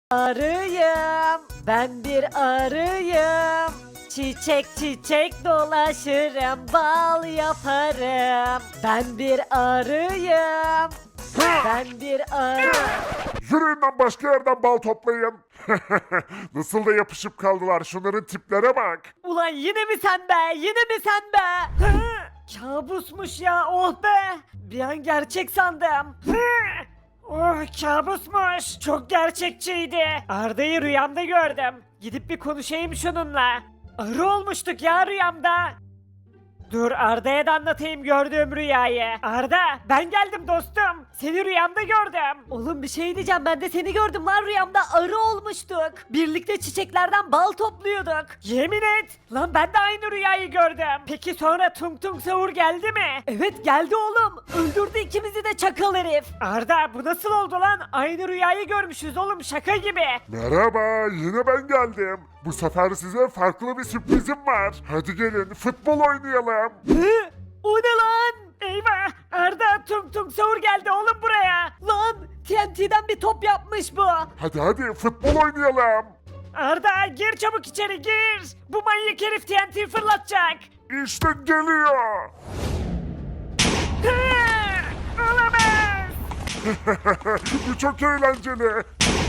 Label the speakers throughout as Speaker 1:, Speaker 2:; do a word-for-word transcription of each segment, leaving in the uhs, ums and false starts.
Speaker 1: arıyım. Ben bir arıyım. Çiçek çiçek dolaşırım, bal yaparım. Ben bir arıyım. Ben bir arı.
Speaker 2: Yürüyün lan, başka yerden bal toplayın. Nasıl da yapışıp kaldılar, şunların tiplere bak.
Speaker 1: Ulan yine mi sen be? Yine mi sen be? Hı! Kabusmuş ya, oh be. Bir an gerçek sandım. Hı! Oh, kabusmuş. Çok gerçekçiydi. Arda'yı rüyamda gördüm. Gidip bir konuşayım şununla. Arı olmuştuk ya rüyamda. Dur Arda'ya da anlatayım gördüğüm rüyayı. Arda, ben geldim dostum. Seni rüyamda gördüm. Oğlum bir şey diyeceğim, ben de seni gördüm lan rüyamda, arı olmuştuk. Birlikte çiçeklerden bal topluyorduk. Yemin et. Lan ben de aynı rüyayı gördüm. Peki sonra Tung Tung Sahur geldi mi? Evet geldi oğlum. Öldürdü ikimizi de çakal herif. Arda bu nasıl oldu lan? Aynı rüyayı görmüşüz oğlum, şaka gibi.
Speaker 2: Merhaba, yine ben geldim. Bu sefer size farklı bir sürprizim var. Hadi gelin futbol oynayalım.
Speaker 1: Hı? O ne lan? Eyvah! Arda Tung Tung Sahur geldi oğlum buraya. Lan T N T'den bir top yapmış bu.
Speaker 2: Hadi hadi futbol oynayalım.
Speaker 1: Arda gir çabuk içeri gir. Bu manyak herif T N T fırlatacak.
Speaker 2: İşte geliyor.
Speaker 1: Hı! Olamaz.
Speaker 2: Bu çok eğlenceli.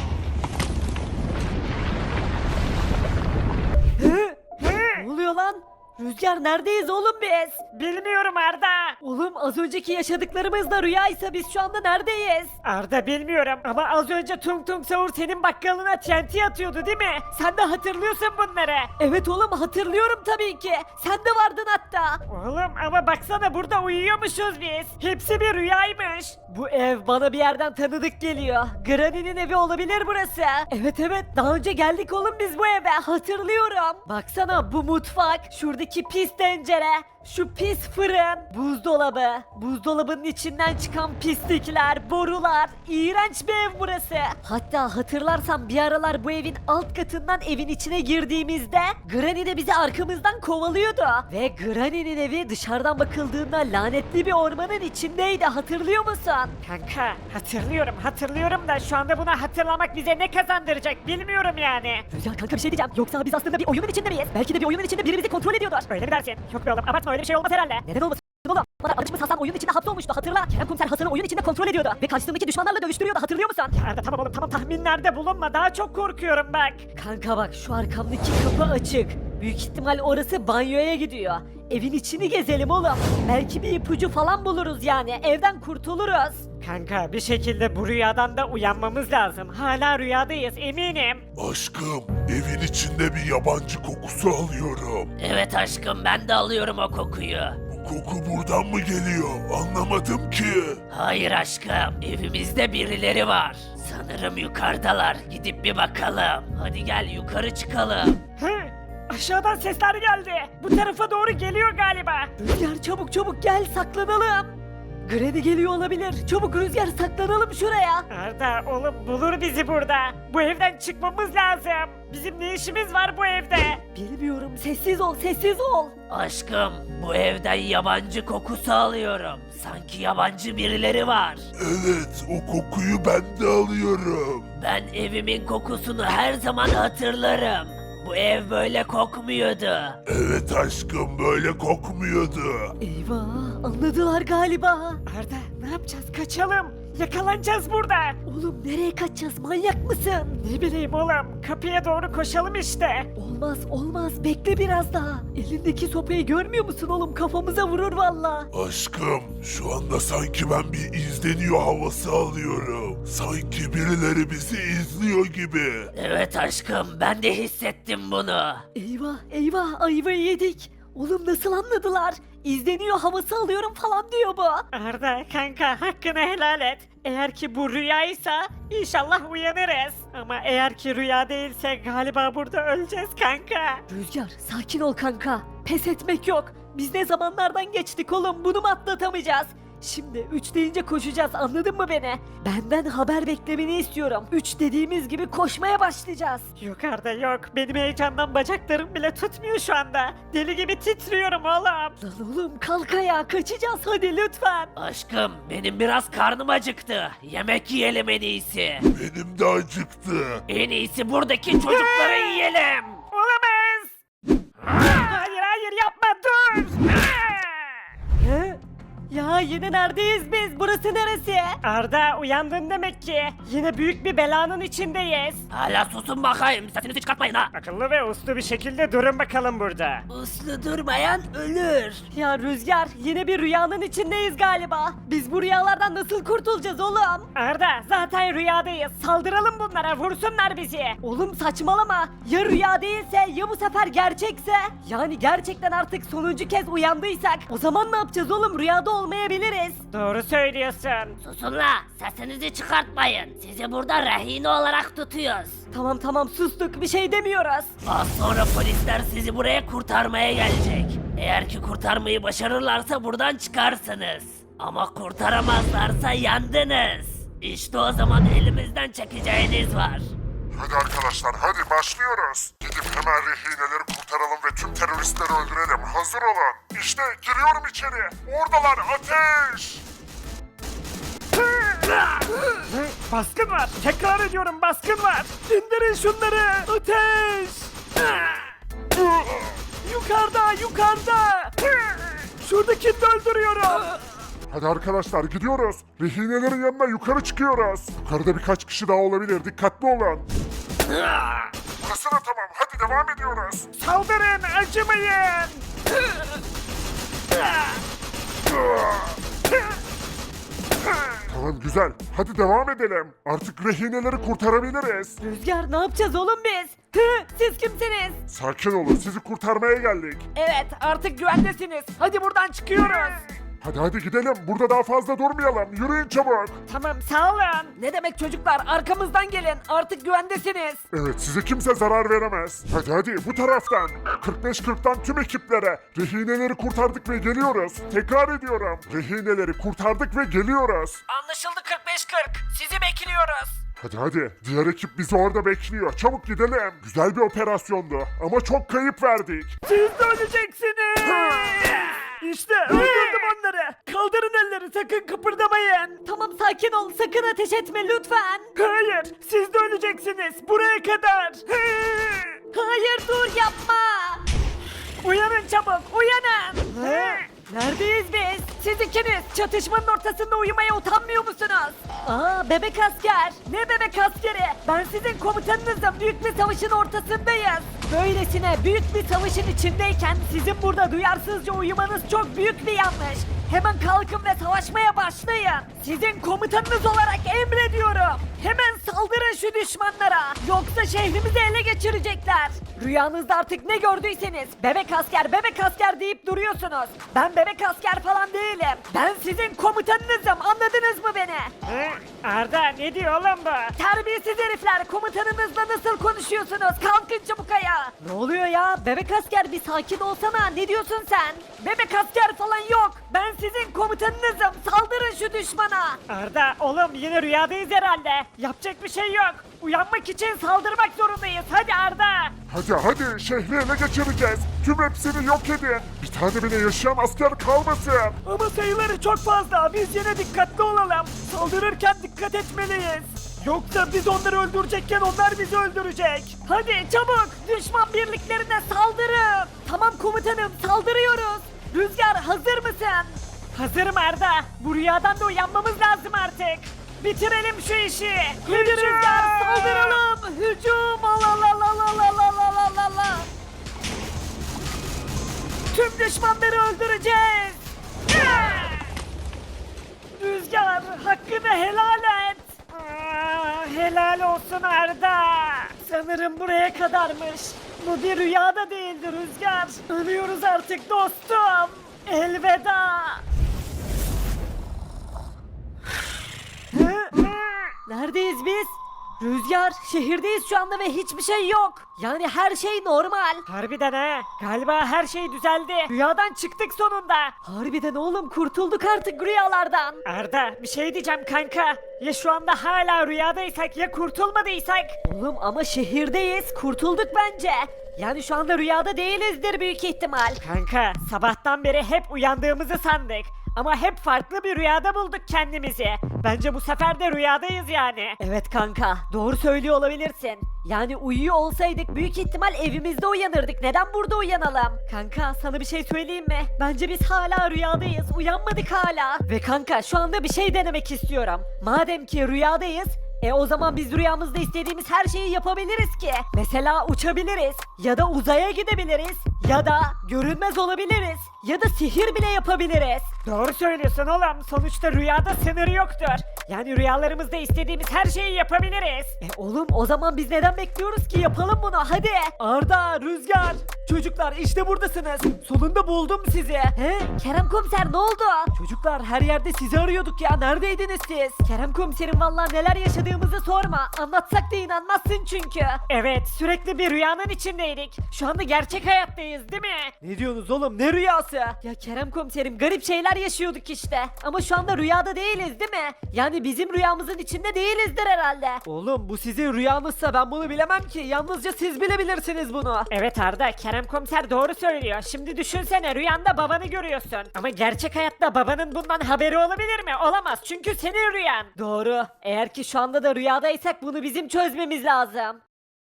Speaker 1: Hı? Ne oluyor lan? Rüzgar neredeyiz oğlum biz? Bilmiyorum Arda. Oğlum az önceki yaşadıklarımız da rüyaysa biz şu anda neredeyiz? Arda bilmiyorum ama az önce Tung Tung Sahur senin bakkalına T N T atıyordu değil mi? Sen de hatırlıyorsun bunları. Evet oğlum hatırlıyorum tabii ki. Sen de vardın hatta. Oğlum ama baksana burada uyuyormuşuz biz. Hepsi bir rüyaymış. Bu ev bana bir yerden tanıdık geliyor. Granny'nin evi olabilir burası. Evet evet daha önce geldik oğlum biz bu eve, hatırlıyorum. Baksana bu mutfak, şuradaki pis tencere, şu pis fırın, buzdolabı, buzdolabının içinden çıkan pislikler, borular, iğrenç bir ev burası. Hatta hatırlarsan bir aralar bu evin alt katından evin içine girdiğimizde Granny de bizi arkamızdan kovalıyordu. Ve Granny'nin evi dışarıdan bakıldığında lanetli bir ormanın içindeydi, hatırlıyor musun? Kanka hatırlıyorum hatırlıyorum da şu anda bunu hatırlamak bize ne kazandıracak bilmiyorum yani.
Speaker 3: Ya kanka bir şey diyeceğim. Yoksa biz aslında bir oyunun içinde miyiz? Belki de bir oyunun içinde biri bizi kontrol ediyordur.
Speaker 1: Öyle mi dersin? Yok be oğlum abartma, öyle bir şey olmaz herhalde.
Speaker 3: Neden olmasın oğlum? Bana arkadaşımız Hasan oyunun içinde hapsolmuştu hatırla. Kerem Komiser Hasan'ı oyun içinde kontrol ediyordu. Ve karşısındaki düşmanlarla dövüştürüyordu, hatırlıyor musun?
Speaker 1: Arda tamam oğlum tamam, tahminlerde bulunma, daha çok korkuyorum bak.
Speaker 3: Kanka bak şu arkamdaki kapı açık. Büyük ihtimal orası banyoya gidiyor. Evin içini gezelim oğlum. Belki bir ipucu falan buluruz yani. Evden kurtuluruz.
Speaker 1: Kanka bir şekilde bu rüyadan da uyanmamız lazım. Hala rüyadayız eminim.
Speaker 2: Aşkım, evin içinde bir yabancı kokusu alıyorum.
Speaker 4: Evet aşkım ben de alıyorum o kokuyu.
Speaker 2: Bu koku buradan mı geliyor? Anlamadım ki.
Speaker 4: Hayır aşkım evimizde birileri var. Sanırım yukarıdalar. Gidip bir bakalım. Hadi gel yukarı çıkalım.
Speaker 1: Hı? Aşağıdan sesler geldi. Bu tarafa doğru geliyor galiba.
Speaker 3: Rüzgar çabuk çabuk gel saklanalım. Granny geliyor olabilir. Çabuk Rüzgar saklanalım şuraya.
Speaker 1: Arda oğlum bulur bizi burada. Bu evden çıkmamız lazım. Bizim ne işimiz var bu evde?
Speaker 3: Bilmiyorum, sessiz ol sessiz ol.
Speaker 4: Aşkım bu evden yabancı kokusu alıyorum. Sanki yabancı birileri var.
Speaker 2: Evet, o kokuyu ben de alıyorum.
Speaker 4: Ben evimin kokusunu her zaman hatırlarım. Bu ev böyle kokmuyordu.
Speaker 2: Evet aşkım, böyle kokmuyordu.
Speaker 3: Eyvah, anladılar galiba.
Speaker 1: Arda ne yapacağız? Kaçalım. Yakalanacağız burada.
Speaker 3: Oğlum nereye kaçacağız, manyak mısın?
Speaker 1: Ne bileyim oğlum. Kapıya doğru koşalım işte.
Speaker 3: Olmaz olmaz, bekle biraz daha. Elindeki sopayı görmüyor musun oğlum, kafamıza vurur valla.
Speaker 2: Aşkım, şu anda sanki ben bir izleniyor havası alıyorum. Sanki birileri bizi izliyor gibi.
Speaker 4: Evet aşkım ben de hissettim bunu.
Speaker 3: Eyvah eyvah, ayvayı yedik. Oğlum nasıl anladılar? İzleniyor havası alıyorum falan diyor bu.
Speaker 1: Arda kanka hakkını helal et. Eğer ki bu rüyaysa inşallah uyanırız. Ama eğer ki rüya değilse galiba burada öleceğiz kanka.
Speaker 3: Rüzgar sakin ol kanka. Pes etmek yok. Biz ne zamanlardan geçtik oğlum, bunu mu atlatamayacağız? Şimdi üç deyince koşacağız, anladın mı beni? Benden haber beklemeni istiyorum. üç dediğimiz gibi koşmaya başlayacağız.
Speaker 1: Yok Arda yok. Benim heyecandan bacaklarım bile tutmuyor şu anda. Deli gibi titriyorum oğlum.
Speaker 3: Lan oğlum kalk ayağa, kaçacağız hadi lütfen.
Speaker 4: Aşkım benim biraz karnım acıktı. Yemek yiyelim en iyisi.
Speaker 2: Benim de acıktı.
Speaker 4: En iyisi buradaki çocukları yiyelim.
Speaker 1: Olamaz. Hayır hayır yapma dur.
Speaker 3: He? Ya yine neredeyiz biz? Burası neresi?
Speaker 1: Arda uyandın demek ki. Yine büyük bir belanın içindeyiz.
Speaker 4: Hala susun bakayım. Sesinizi çıkartmayın ha.
Speaker 1: Akıllı ve uslu bir şekilde durun bakalım burada.
Speaker 4: Uslu durmayan ölür.
Speaker 3: Ya Rüzgar, yine bir rüyanın içindeyiz galiba. Biz bu rüyalardan nasıl kurtulacağız oğlum?
Speaker 1: Arda zaten rüyadayız. Saldıralım bunlara, vursunlar bizi.
Speaker 3: Oğlum saçmalama. Ya rüya değilse, ya bu sefer gerçekse? Yani gerçekten artık sonuncu kez uyandıysak o zaman ne yapacağız oğlum? Rüyada olmayabiliriz.
Speaker 1: Doğru söylüyorsun.
Speaker 4: Susun la. Sesinizi çıkartmayın. Sizi burada rehin olarak tutuyoruz.
Speaker 3: Tamam tamam sustuk, bir şey demiyoruz.
Speaker 4: Az sonra polisler sizi buraya kurtarmaya gelecek. Eğer ki kurtarmayı başarırlarsa buradan çıkarsınız. Ama kurtaramazlarsa yandınız. İşte o zaman elimizden çekeceğiniz var.
Speaker 2: Hadi arkadaşlar hadi başlıyoruz. Gidip hemen rehineleri kurtaralım ve tüm teröristleri öldürelim. Hazır olun. İşte giriyorum içeri. Oradalar ateş.
Speaker 1: Baskın var. Tekrar ediyorum baskın var. İndirin şunları. Ateş. Yukarıda yukarıda. Şuradakini de öldürüyorum.
Speaker 2: Hadi arkadaşlar gidiyoruz. Rehinelerin yanına yukarı çıkıyoruz. Yukarıda birkaç kişi daha olabilir. Dikkatli olun. Burası da tamam. Hadi devam ediyoruz.
Speaker 1: Saldırın acımayın.
Speaker 2: Tamam güzel. Hadi devam edelim. Artık rehineleri kurtarabiliriz.
Speaker 3: Rüzgar ne yapacağız oğlum biz? Hı, siz kimsiniz?
Speaker 2: Sakin olun. Sizi kurtarmaya geldik.
Speaker 1: Evet artık güvendesiniz. Hadi buradan çıkıyoruz.
Speaker 2: Hadi hadi gidelim. Burada daha fazla durmayalım. Yürüyün çabuk.
Speaker 1: Tamam sağ olun. Ne demek çocuklar arkamızdan gelin. Artık güvendesiniz.
Speaker 2: Evet size kimse zarar veremez. Hadi hadi bu taraftan. kırk beş kırktan tüm ekiplere. Rehineleri kurtardık ve geliyoruz. Tekrar ediyorum. Rehineleri kurtardık ve geliyoruz.
Speaker 1: Anlaşıldı kırk beş kırk. Sizi bekliyoruz.
Speaker 2: Hadi hadi. Diğer ekip bizi orada bekliyor. Çabuk gidelim. Güzel bir operasyondu. Ama çok kayıp verdik.
Speaker 1: Siz de öleceksiniz. İşte öldürdüm onları. Kaldırın elleri sakın kıpırdamayın.
Speaker 3: Tamam sakin ol, sakın ateş etme lütfen.
Speaker 1: Hayır siz de öleceksiniz. Buraya kadar.
Speaker 3: Hayır dur yapma.
Speaker 1: Uyanın çabuk uyanın.
Speaker 3: Neredeyiz biz?
Speaker 1: Siz ikiniz çatışmanın ortasında uyumaya utanmıyor musunuz?
Speaker 3: Aa bebek asker.
Speaker 1: Ne bebek askeri? Ben sizin komutanınızım. Büyük bir savaşın ortasındayız. Böylesine büyük bir savaşın içindeyken sizin burada duyarsızca uyumanız çok büyük bir yanlış. Hemen kalkın ve savaşmaya başlayın. Sizin komutanınız olarak emrediyorum. Hemen saldırın şu düşmanlara. Yoksa şehrimizi ele geçirecekler. Rüyanızda artık ne gördüyseniz bebek asker bebek asker deyip duruyorsunuz. Ben bebek asker falan değilim. Ben sizin komutanınızım, anladınız mı beni? Arda ne diyor oğlum bu? Terbiyesiz herifler, komutanınızla nasıl konuşuyorsunuz? Kalkın çabuk ayağa.
Speaker 3: Ne oluyor ya? Bebek asker bir sakin olsana. Ne diyorsun sen?
Speaker 1: Bebek asker falan yok. Ben sizin komutanınızım. Saldırın şu düşmana. Arda oğlum yine rüyadayız herhalde. Yapacak bir şey yok. Uyanmak için saldırmak zorundayız. Hadi Arda.
Speaker 2: Hadi hadi şehri ele geçireceğiz. Tüm hepsini yok edin. Bir tane bile yaşayan asker kalmasın.
Speaker 1: Ama sayıları çok fazla. Biz yine dikkatli olalım. Saldırırken dikkat etmeliyiz. Yoksa biz onları öldürecekken onlar bizi öldürecek. Hadi çabuk düşman birliklerine saldırın. Tamam komutanım saldırıyoruz. Rüzgar hazır mısın? Hazırım Arda. Bu rüyadan da uyanmamız lazım artık. Bitirelim şu işi. Hadi Rüzgar saldıralım. Hücum. La la la la la la la la la la. Tüm düşmanları öldüreceğiz. Rüzgar hakkını helal et. Aa, helal olsun Arda. Sanırım buraya kadarmış. Bu bir rüya da değildi Rüzgar. Ölüyoruz artık dostum. Elveda.
Speaker 3: Neredeyiz biz? Rüzgar, şehirdeyiz şu anda ve hiçbir şey yok. Yani her şey normal.
Speaker 1: Harbiden ha. Galiba her şey düzeldi. Rüyadan çıktık sonunda.
Speaker 3: Harbiden oğlum, kurtulduk artık rüyalardan.
Speaker 1: Arda bir şey diyeceğim kanka. Ya şu anda hala rüyadaysak ya kurtulmadıysak?
Speaker 3: Oğlum ama şehirdeyiz, kurtulduk bence. Yani şu anda rüyada değilizdir büyük ihtimal.
Speaker 1: Kanka sabahtan beri hep uyandığımızı sandık. Ama hep farklı bir rüyada bulduk kendimizi. Bence bu sefer de rüyadayız yani.
Speaker 3: Evet kanka, doğru söylüyor olabilirsin. Yani uyuyor olsaydık büyük ihtimal evimizde uyanırdık. Neden burada uyanalım? Kanka sana bir şey söyleyeyim mi? Bence biz hala rüyadayız. Uyanmadık hala. Ve kanka şu anda bir şey denemek istiyorum. Madem ki rüyadayız, e o zaman biz rüyamızda istediğimiz her şeyi yapabiliriz ki. Mesela uçabiliriz ya da uzaya gidebiliriz ya da görünmez olabiliriz ya da sihir bile yapabiliriz.
Speaker 1: Doğru söylüyorsun oğlum. Sonuçta rüyada sınır yoktur. Yani rüyalarımızda istediğimiz her şeyi yapabiliriz.
Speaker 3: E oğlum o zaman biz neden bekliyoruz ki, yapalım bunu hadi.
Speaker 1: Arda, Rüzgar. Çocuklar işte buradasınız. Sonunda buldum sizi.
Speaker 3: He Kerem komiser, ne oldu?
Speaker 1: Çocuklar her yerde sizi arıyorduk ya. Neredeydiniz siz?
Speaker 3: Kerem komiserim vallahi neler yaşadığımızı sorma. Anlatsak da inanmazsın çünkü.
Speaker 1: Evet, sürekli bir rüyanın içindeydik. Şu anda gerçek hayattayız değil mi? Ne diyorsunuz oğlum? Ne rüyası?
Speaker 3: Ya Kerem komiserim, garip şeyler yaşıyorduk işte. Ama şu anda rüyada değiliz değil mi? Yani bizim rüyamızın içinde değilizdir herhalde.
Speaker 1: Oğlum bu sizin rüyanızsa ben bunu bilemem ki. Yalnızca siz bilebilirsiniz bunu. Evet Arda, Kerem komiser doğru söylüyor. Şimdi düşünsene, rüyanda babanı görüyorsun. Ama gerçek hayatta babanın bundan haberi olabilir mi? Olamaz, çünkü senin rüyan.
Speaker 3: Doğru. Eğer ki şu anda da rüyadaysak bunu bizim çözmemiz lazım.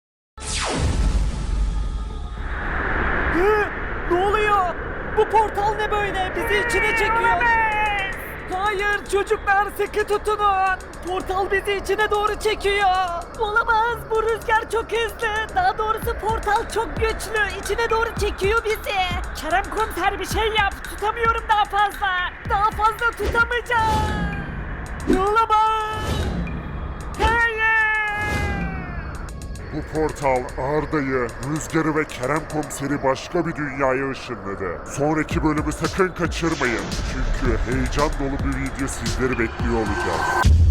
Speaker 1: Hı? Ne oluyor? Bu portal ne böyle? Bizi içine çekiyor. Hayır çocuklar, sıkı tutunun. Portal bizi içine doğru çekiyor.
Speaker 3: Olamaz, bu rüzgar çok hızlı. Daha doğrusu portal çok güçlü. İçine doğru çekiyor bizi.
Speaker 1: Kerem komiser bir şey yap. Tutamıyorum daha fazla.
Speaker 3: Daha fazla tutamayacağım.
Speaker 1: Olamaz. Hayır.
Speaker 2: Bu portal Arda'yı, Rüzgar'ı ve Kerem Komiser'i başka bir dünyaya ışınladı. Sonraki bölümü sakın kaçırmayın. Çünkü heyecan dolu bir video sizleri bekliyor olacak.